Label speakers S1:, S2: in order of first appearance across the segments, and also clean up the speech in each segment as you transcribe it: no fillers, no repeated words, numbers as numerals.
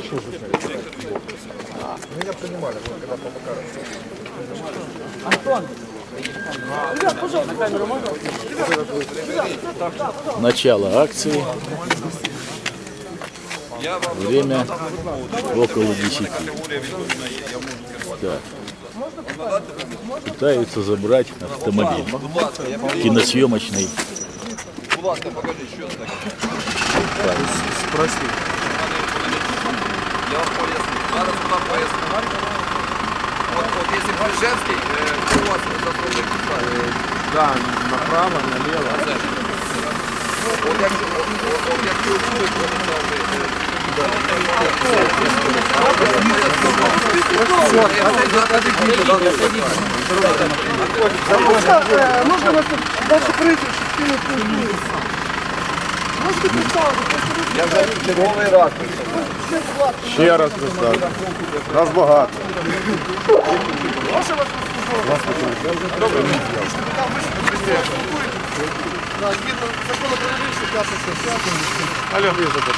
S1: машину засняли. Меня принимали, когда по Макарову.
S2: Антон! Ребят, пожалуйста, на камеру можно?
S3: Начало акции. Время около 10. Так. Пытаются забрать автомобиль киносъемочный.
S1: Спроси.
S4: Я вам поясню. Зараз вам поясню. От якщо Брижевський, у вас заслужив підстави.
S1: Да, направо, налево.
S4: От якщо будуть,
S2: Можно вас дальше пройти, можете представити?
S4: я вже черговий раз.
S1: Ще раз представлю. Нас багато.
S2: Можна вас послухати? Добре, ви згідно закону про міліцію, 5 стаття.
S1: Алло.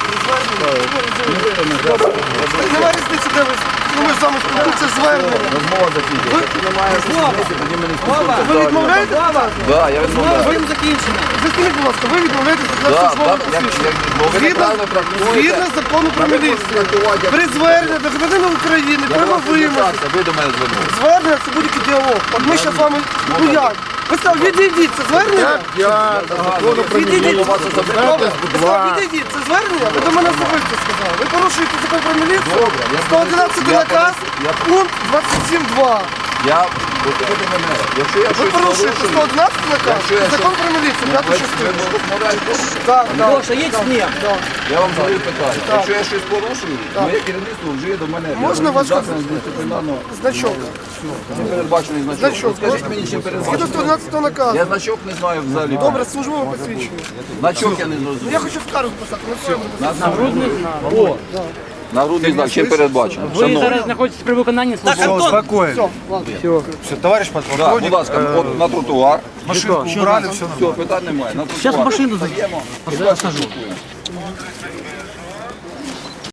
S2: Немає різниці, де ви. Ми з вами спілкуємося звернення.
S4: Розмова закінчилася.
S2: Ви відмовляєте?
S4: Так, я відмовляю.
S2: Ви їм закінчено. Ви скажіть, будь ласка, ви відмовляєтесь від службового посвідчення. Згідно закону про міліцію. При зверненні до громадянина України, треба вимогти.
S4: Ви до мене звернули.
S2: Звернення це будь-який діалог. От ми зараз з вами, ну як? Ви сказали, відійдіть, це звернення?
S1: Я закону про
S2: Відійдіть.
S1: міліцію.
S2: Добре, ви сказали, відійдіть, це звернення? Ви до мене особисто сказали. Ви порушуєте закон про міліцію, 111 наказ, пункт 27.2.
S4: Я, послухайте мене, якщо я
S2: Ви
S4: щось
S2: порушуєте
S4: порушую,
S2: 111 наказ,
S4: Якщо я
S2: закон
S4: щось-
S2: про міліцію,
S4: ви
S2: 5 частину.
S4: розмовляєте,
S2: Так, так.
S5: Леша, едь с ним.
S4: я вам задаю питання. Якщо я щось порушую, моє керівництво вжиє до мене
S2: Можна ваш
S4: дисциплінарного
S2: значок?
S4: не передбачений значок.
S2: Значок.
S4: Скажіть мені, чим
S2: Згідно
S4: передбачений?
S2: 111 наказу.
S4: Я значок не знаю взагалі.
S2: Добре, службове посвідчення.
S4: Значок я не
S2: Ну,
S4: зрозумів.
S2: я хочу скаргу писати, на своєму.
S4: Нагрудний знак, чим передбачено?
S5: Ви зараз знаходитесь при виконанні служби.
S1: Успокоен. Все, товарищ
S4: Так,
S1: подполковник.
S4: будь ласка, от на тротуар.
S1: Машину убрали, все
S4: Все, питань немає. На тротуар.
S5: Зараз машину
S4: Стаємо.
S5: посажу.